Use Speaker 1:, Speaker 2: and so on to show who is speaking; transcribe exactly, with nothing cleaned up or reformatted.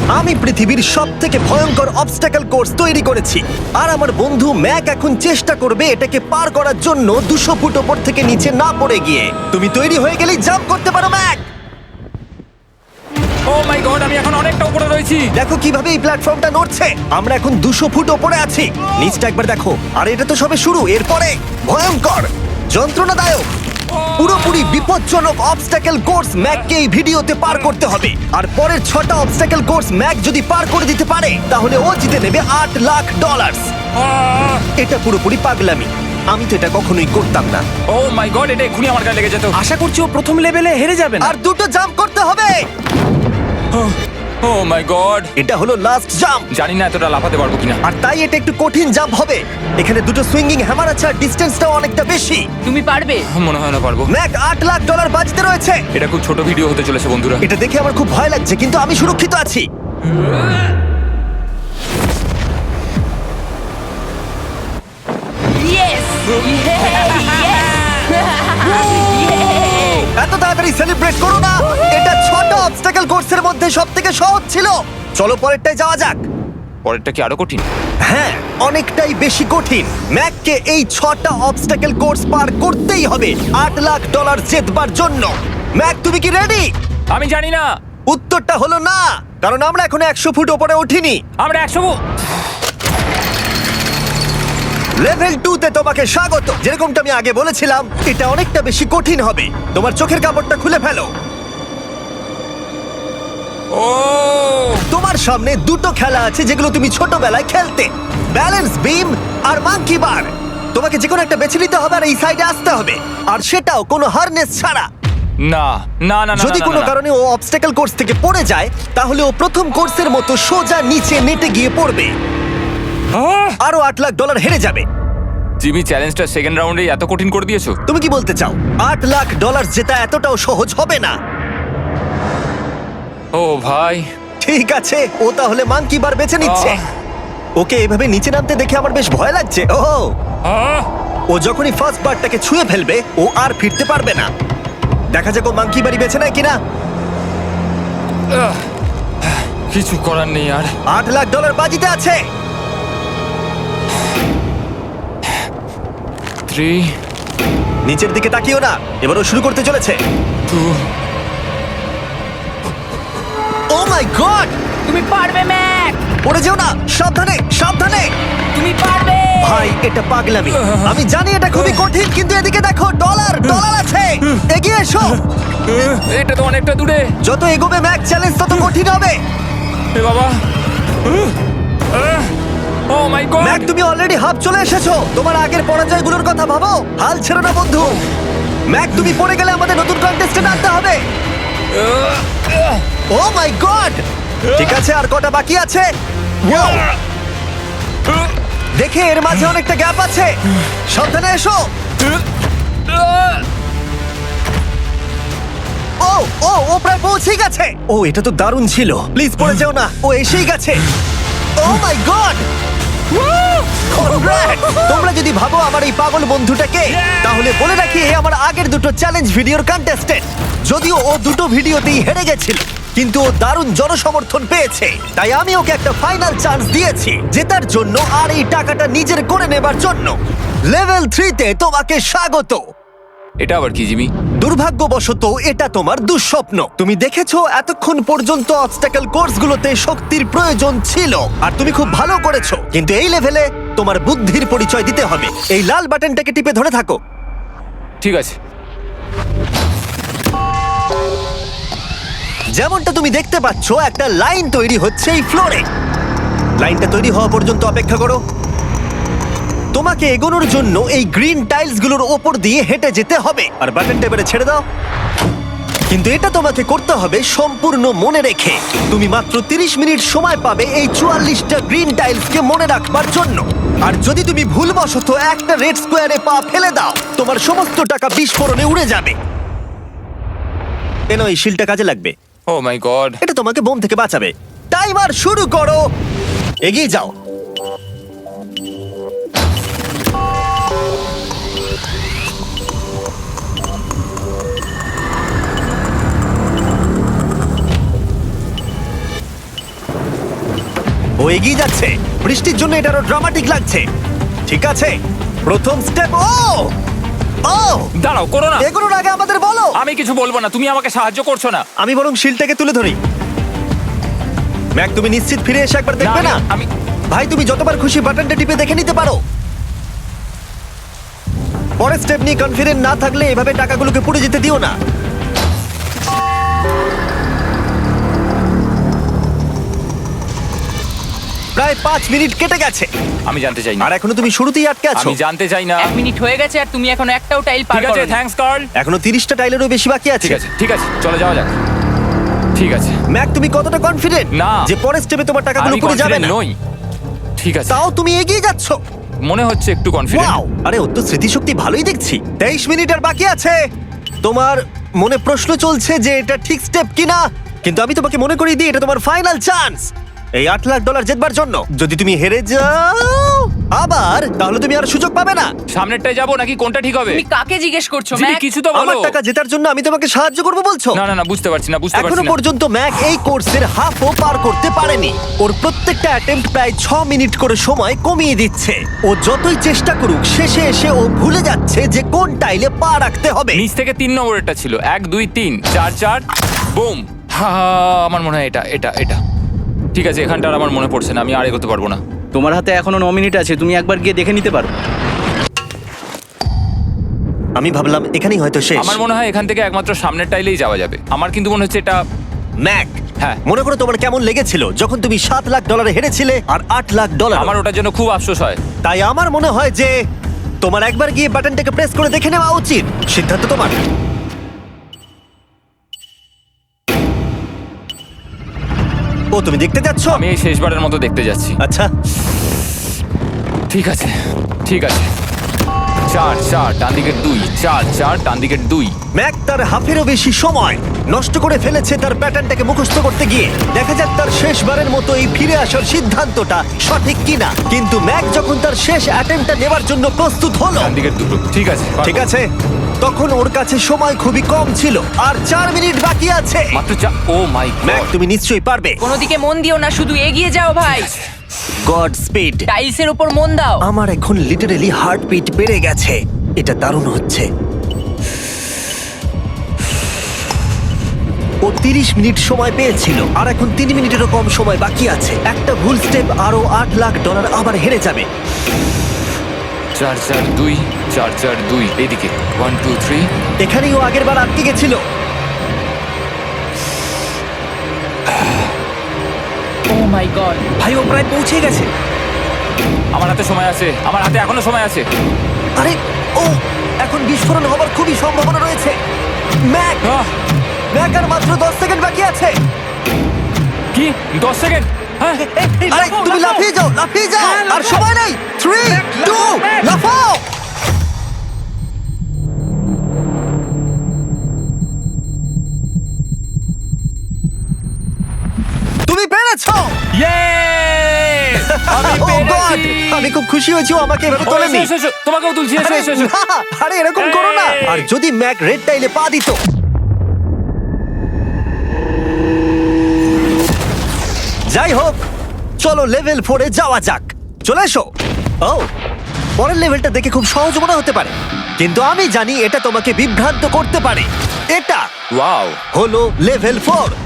Speaker 1: আমি পৃথিবীর সব থেকে ভয়ঙ্কর অবস্টাকেল কোর্স তৈরি করেছি, আর আমার বন্ধু ম্যাক এখন চেষ্টা করবে এটাকে পার করার জন্য দুশো ফুট ওপর থেকে নিচে না পড়ে গিয়ে। তুমি তৈরি হয়ে গেলেই জাম্প করতে পারো ম্যাক।
Speaker 2: ও মাই গড, আমি এখন অনেকটা উপরে রয়েছি।
Speaker 1: দেখো কিভাবে এই প্ল্যাটফর্মটা নড়ছে। আমরা এখন দুশো ফুট ওপরে আছি। নিচটা একবার দেখো। আর এটা তো সবে শুরু, এরপরে ভয়ঙ্কর, যন্ত্রণাদায়ক, পুরোপুরি বিপজ্জনক অবস্টাকেল কোর্স ম্যাককে এই ভিডিওতে পার করতে হবে। আর পরের ছটা অবস্টাকেল কোর্স ম্যাক যদি পার করে দিতে পারে তাহলে ও জিতে নেবে আট লাখ ডলার।
Speaker 2: আহ!
Speaker 1: এটা পুরোপুরি পাগলামি, আমি তো এটা কখনোই করতাম না।
Speaker 2: ও মাই গড, এটা এক্ষুনি আমার গায়ে লেগে যেত।
Speaker 3: আশা করছি ও প্রথম লেভেলে হেরে যাবে না।
Speaker 1: আর দুটো জাম্প করতে হবে।
Speaker 2: ও মাই গড,
Speaker 1: এটা হলো লাস্ট জাম্প,
Speaker 2: জানি না এতটা লাফাতে পারবো কিনা।
Speaker 1: আর তাই এটা একটু কঠিন জাম্প হবে। এখানে দুটো সুইঙ্গিং হ্যামার আছে আর ডিস্টেন্সটাও অনেকটা বেশি।
Speaker 4: তুমি পারবে।
Speaker 2: মনে হয় না পারবো।
Speaker 1: ম্যাক আট লাখ ডলার বাজিতে রয়েছে।
Speaker 2: এটা খুব ছোট ভিডিও হতে চলেছে বন্ধুরা।
Speaker 1: এটা দেখে আমার খুব ভয় লাগছে, কিন্তু আমি সুরক্ষিত আছি।
Speaker 4: ইয়েস
Speaker 1: এত তাড়াতাড়ি সেলিব্রেট করো না। এটা ছটা অবস্টাকেল কোর্সের মধ্যে সবথেকে সহজ ছিল। চলো পরেরটায় যাওয়া যাক।
Speaker 2: পরেরটা কি আরো কঠিন?
Speaker 1: হ্যাঁ, অনেকটাই বেশি কঠিন। ম্যাককে এই ছটা অবস্টাকেল কোর্স পার করতেই হবে আট লাখ ডলার জেতবার জন্য। ম্যাক, তুমি কি রেডি?
Speaker 2: আমি জানি না।
Speaker 1: উত্তরটা হলো না, কারণ আমরা এখন একশো ফুট ওপরে উঠিনি।
Speaker 2: আমরা একশো।
Speaker 1: লেভেল টু তে তোমাকে স্বাগত। যেরকমটা আমি আগে বলেছিলাম, এটা অনেকটা বেশি কঠিন হবে। তোমার চোখের কাপড়টা খুলে ফেলো।
Speaker 2: ও
Speaker 1: তোমার সামনে দুটো খেলা আছে যেগুলো তুমি ছোটবেলায় খেলতে, ব্যালেন্স বিম আর মাঙ্কি বার। তোমাকে যে কোনো একটা বেছে নিতে হবে আর এই সাইডে আসতে হবে, আর সেটাও কোনো হারনেস ছাড়া।
Speaker 2: না না না না,
Speaker 1: যদি
Speaker 2: না, না,
Speaker 1: কোনো
Speaker 2: না।
Speaker 1: কারণে ও অবস্টাকেল কোর্স থেকে পড়ে যায় তাহলে ও প্রথম কোর্সের মতো সোজা নিচে নেটে গিয়ে পড়বে,
Speaker 2: আহ!
Speaker 1: আরো আট লাখ ডলার হেরে যাবে।
Speaker 2: জিমি, চ্যালেঞ্জটা সেকেন্ড রাউন্ডে এত কঠিন করে দিয়েছো।
Speaker 1: তুমি কি বলতে চাও আট লাখ ডলার জেতা এতটাও সহজ হবে না?
Speaker 2: ও ভাই,
Speaker 1: ঠিক আছে, ও তাহলে মাঙ্কি বার বেছে নিচ্ছে।
Speaker 2: আহ।
Speaker 1: ওকে এভাবে নিচে নামতে দেখে আমার বেশ ভয় লাগছে। ও
Speaker 2: আহ!
Speaker 1: ও যখনই ফার্স্ট বারটাকে ছুঁয়ে ফেলবে ও আর ফিরতে পারবে না। দেখা যাক ও মাঙ্কি বাড়ি বেছে নেয় কিনা।
Speaker 2: আহ! কিছু করার নেই আর।
Speaker 1: আট লাখ ডলার বাজিতে আছে।
Speaker 2: থ্রি
Speaker 1: নিচের দিকে তাকিও না, এবার ও শুরু করতে চলেছে।
Speaker 2: টু
Speaker 1: ও মাই গড,
Speaker 4: তুমি পারবে ম্যাক।
Speaker 1: পড়ে যেও না, সাবধানে সাবধানে।
Speaker 4: তুমি পারবে।
Speaker 1: ভাই এটা পাগলামি, আমি জানি এটা খুবই কঠিন, কিন্তু এদিকে দেখো, ডলার ডলার আছে। এগিয়ে এসো।
Speaker 2: এটা তো অনেকটা দূরে।
Speaker 1: যত এগোবে ম্যাক চ্যালেঞ্জ তত কঠিন হবে।
Speaker 2: এ বাবা, ও মাই গড।
Speaker 1: ম্যাক, তুমি অলরেডি হাফ চলে এসেছো। তোমার আগের পরাজয়গুলোর কথা ভাবো, হাল ছেড়ো না বন্ধু। ম্যাক, তুমি পড়ে গেলে আমাদের নতুন কন্টেস্টেন্ট আনতে হবে। ও মাই গড, ঠিক আছে, আর কটা বাকি আছে? Wow! দেখে এর মাঝে অনেকটা গ্যাপ আছে। সাবধানে এসো। ও ও ও প্রায় পৌঁছেই গেছে। ও এটা তো দারুণ ছিল, প্লিজ পড়ে যেও না। ও এসেই গেছে। Oh my god, congrats! তোমরা যদি ভাবো আমার এই পাগল বন্ধুটাকে, তাহলে বলে রাখি এ আমার আগের দুটো চ্যালেঞ্জ ভিডিওর কন্টেস্টেন্ট। যদিও ও দুটো ভিডিওতেই হেরে গেছিল, কিন্তু ও দারুণ জনসমর্থন পেয়েছে, তাই আমি ওকে একটা ফাইনাল চান্স দিয়েছি জেতার জন্য আর এই টাকাটা নিজের করে নেবার জন্য। লেভেল থ্রিতে তোমাকে স্বাগত।
Speaker 2: এটা আবার কি জিমি?
Speaker 1: দুর্ভাগ্যবশত এটা তোমার দুঃস্বপ্ন। তুমি দেখেছো এতক্ষণ পর্যন্ত অবস্টাকেল কোর্সগুলোতে শক্তির প্রয়োজন ছিল, আর তুমি খুব ভালো করেছো, কিন্তু এই লেভেলে তোমার বুদ্ধির পরিচয় দিতে হবে। এই লাল বাটনটাকে টিপে ধরে থাকো।
Speaker 2: ঠিক আছে।
Speaker 1: যেমনটা তুমি দেখতে পাচ্ছ, একটা লাইন তৈরি হচ্ছে এই ফ্লোরে। লাইনটা তৈরি হওয়া পর্যন্ত অপেক্ষা করো। তোমাকে এগোনোর জন্য এই গ্রিন টাইলসগুলোর ওপর দিয়ে হেঁটে যেতে হবে, আর বাটনটা এবারে ছেড়ে দাও। কিন্তু এটা তোমাকে করতে হবে সম্পূর্ণ মনে রেখে। তুমি মাত্র তিরিশ মিনিট সময় পাবে এই চুয়াল্লিশটা গ্রিন টাইলসকে মনে রাখবার জন্য। আর যদি তুমি ভুলবশত একটা রেড স্কোয়ারে পা ফেলে দাও, তোমার সমস্ত টাকা বিস্ফোরণে উড়ে যাবে। কেন এই শিলটা কাজে লাগবে।
Speaker 2: Oh my god.
Speaker 1: এটা তোমাকে বোম থেকে বাঁচাবে। টাইমার শুরু করো, এগিয়ে যাও। এগিয়ে যাচ্ছে। বৃষ্টির জন্য এটা আরো ড্রামাটিক লাগছে। ঠিক আছে, প্রথম স্টেপ। ও ও
Speaker 2: দাঁড়াও, করো না।
Speaker 1: এগুলোর আগে আমাদের বলো।
Speaker 2: আমি কিছু বলবো না, তুমি আমাকে সাহায্য করছো না।
Speaker 1: আমি বরং শিলটাকে তুলে ধরি। ম্যাক, তুমি নিশ্চিত ফিরে এসে একবার দেখবে না?
Speaker 2: আমি- আমি
Speaker 1: ভাই, তুমি যতবার খুশি বাটনটা টিপে দেখে নিতে পারো। পরের স্টেপ নিয়ে কনফিডেন্ট না থাকলে এভাবে টাকাগুলোকে পুড়ে যেতে দিও না। প্রায় পাঁচ মিনিট কেটে গেছে
Speaker 2: আমি জানতে চাই না।
Speaker 1: আর এখনো তুমি শুরুতেই আটকে আছো।
Speaker 2: আমি জানতে চাই না।
Speaker 4: এক মিনিট হয়ে গেছে আর তুমি এখনো একটাও টাইল পার
Speaker 2: ঠিক আছে,
Speaker 4: করোনি।
Speaker 2: Thanks Carl.
Speaker 1: এখনো তিরিশটা টাইলেরও বেশি বাকি আছে।
Speaker 2: ঠিক আছে, ঠিক আছে, চলে যাওয়া যাক। ঠিক আছে,
Speaker 1: ম্যাক, তুমি কতটা কনফিডেন্ট
Speaker 2: না।
Speaker 1: যে পরের স্টেপে তোমার টাকাগুলো
Speaker 2: আমি
Speaker 1: পুড়ে যাবে
Speaker 2: কনফিডেন্ট
Speaker 1: না?
Speaker 2: নই। ঠিক আছে,
Speaker 1: তাও তুমি এগিয়ে যাচ্ছ।
Speaker 2: মনে হচ্ছে একটু কনফিডেন্ট।
Speaker 1: ওয়াও, আরে ওর তো স্মৃতিশক্তি ভালোই দেখছি। তেইশ মিনিট আর বাকি আছে। তোমার মনে প্রশ্ন চলছে যে এটা ঠিক স্টেপ কিনা, কিন্তু আমি তোমাকে মনে করিয়ে দিই এটা তোমার ফাইনাল চান্স এই আট লাখ ডলার জেতবার জন্য। যদি তুমি হেরে যাও আবার, তাহলে তুমি আর সুযোগ পাবে না।
Speaker 2: সামনেরটায় যাবো নাকি কোনটা ঠিক হবে?
Speaker 4: তুমি কাকে জিজ্ঞেস করছো
Speaker 2: জিমি,
Speaker 4: ম্যাক?
Speaker 2: কিছু তো বলো।
Speaker 1: আমার টাকা জেতার জন্য আমি তোমাকে সাহায্য করবো বলছো?
Speaker 2: না না না, বুঝতে পারছি না, বুঝতে
Speaker 1: এখনো
Speaker 2: পারছি না।
Speaker 1: পর্যন্ত ম্যাক এই কোর্সের হাফও পার করতে পারেনি। ওর প্রত্যেকটা অ্যাটেম্প্ট প্রায় ছ মিনিট করে সময় কমিয়ে দিচ্ছে। ও যতই চেষ্টা করুক, শেষে এসে ও ভুলে যাচ্ছে যে কোন টাইলে পা রাখতে হবে।
Speaker 2: নিচ থেকে তিন নম্বরেরটা ছিল, এক দুই তিন চার চার বুম। হা, আমার মনে হয় এটা এটা এটা ঠিক আছে। এখানটা আর আমার মনে পড়ছে না, আমি আর এগোতে পারবো না।
Speaker 3: তোমার হাতে এখনো ন মিনিট আছে, তুমি একবার গিয়ে দেখে নিতে পারো।
Speaker 1: আমি ভাবলাম এখানেই হয়তো শেষ।
Speaker 2: আমার মনে হয় এখান থেকে একমাত্র সামনের টাইলেই যাওয়া যাবে। আমার কিন্তু মনে হচ্ছে এটা।
Speaker 1: ম্যাক,
Speaker 2: হ্যাঁ।
Speaker 1: মনে করো তোমার কেমন লেগেছিল যখন তুমি সাত লাখ ডলারে হেরেছিলে আর আট লাখ ডলার।
Speaker 2: আমার ওটার জন্য খুব আফসোস হয়।
Speaker 1: তাই আমার মনে হয় যে তোমার একবার গিয়ে বাটনটাকে প্রেস করে দেখে নেওয়া উচিত। সিদ্ধান্ত তোমার। ও, তুমি দেখতে যাচ্ছ?
Speaker 2: আমি এই শেষবারের মতো দেখতে যাচ্ছি।
Speaker 1: আচ্ছা,
Speaker 2: ঠিক আছে, ঠিক আছে। চার চার ডান দিকের দুই, চার চার ডান দিকের দুই।
Speaker 1: ম্যাক তার হাফেরও বেশি সময় নষ্ট করে ফেলেছে তার প্যাটার্নটাকে মুখস্থ করতে গিয়ে। দেখা যাক তার শেষবারের মতো এই ফিরে আসার সিদ্ধান্তটা সঠিক কিনা। কিন্তু ম্যাক যখন তার শেষ অ্যাটেম্পটা নেবার জন্য প্রস্তুত হলো,
Speaker 2: ডান দিকের দুটো। ঠিক আছে,
Speaker 1: ঠিক আছে, তখন ওর কাছে সময় খুবই কম ছিল আর চার মিনিট বাকি আছে।
Speaker 2: মাত্র চার। Oh my
Speaker 1: Mac,
Speaker 2: god.
Speaker 1: তুমি নিশ্চয়ই পারবে।
Speaker 4: কোনো দিকে মন দিও না, শুধু এগিয়ে যাও ভাই।
Speaker 1: Godspeed.
Speaker 4: টাইলসের উপর মন দাও।
Speaker 1: আমার এখন লিটারালি হার্টবিট বেড়ে গেছে। এটা দারুণ হচ্ছে। ও তিরিশ মিনিট সময় পেয়েছিল আর এখন তিন মিনিটেরও কম সময় বাকি আছে। একটা ভুল স্টেপ আরো আট লাখ ডলার আবার হেরে যাবে।
Speaker 2: চার চার দুই, চার চার দুই এইদিকে। One two three.
Speaker 1: এখানেই ও আগের বার আটকে গেছিল।
Speaker 4: Oh my god.
Speaker 3: ভাই, ও প্রায় পৌঁছে গেছে।
Speaker 2: আমার হাতে সময় আছে, আমার হাতে এখনো সময় আছে।
Speaker 1: আরে, ও এখন বিস্ফোরণ হবার খুবই সম্ভাবনা রয়েছে। ম্যাক,
Speaker 2: আহ,
Speaker 1: ম্যাক আর মাত্র দশ সেকেন্ড বাকি আছে।
Speaker 2: কি দশ সেকেন্ড? হ্যাঁ,
Speaker 1: আরে তুমি লাফিয়ে যাও, লাফিয়ে যাও। আর সময় নেই। থ্রি, টু, লাফাও। তুমি পেরেছো।
Speaker 2: Yay! আমি
Speaker 1: Oh God!
Speaker 2: পেরেছি!
Speaker 1: আমি খুব খুশি হয়েছি ও আমাকে এভাবে
Speaker 2: ও,
Speaker 1: তোলেনি।
Speaker 2: এসো, এসো, এসো। তোমাকেও তুলছি, এসো,
Speaker 1: আরে
Speaker 2: এসো, এসো।
Speaker 1: না, আরে এরকম করো না।
Speaker 2: এই।
Speaker 1: আর যদি ম্যাক রেড টাইলে পা দিত। যাই হোক, চলো লেভেল ফোরে যাওয়া যাক। চলে এসো। ও, পরের লেভেলটা দেখে খুব সহজ মনে হতে পারে, কিন্তু আমি জানি এটা তোমাকে বিভ্রান্ত করতে পারে। এটা
Speaker 2: ওয়াও।
Speaker 1: হলো লেভেল ফোর।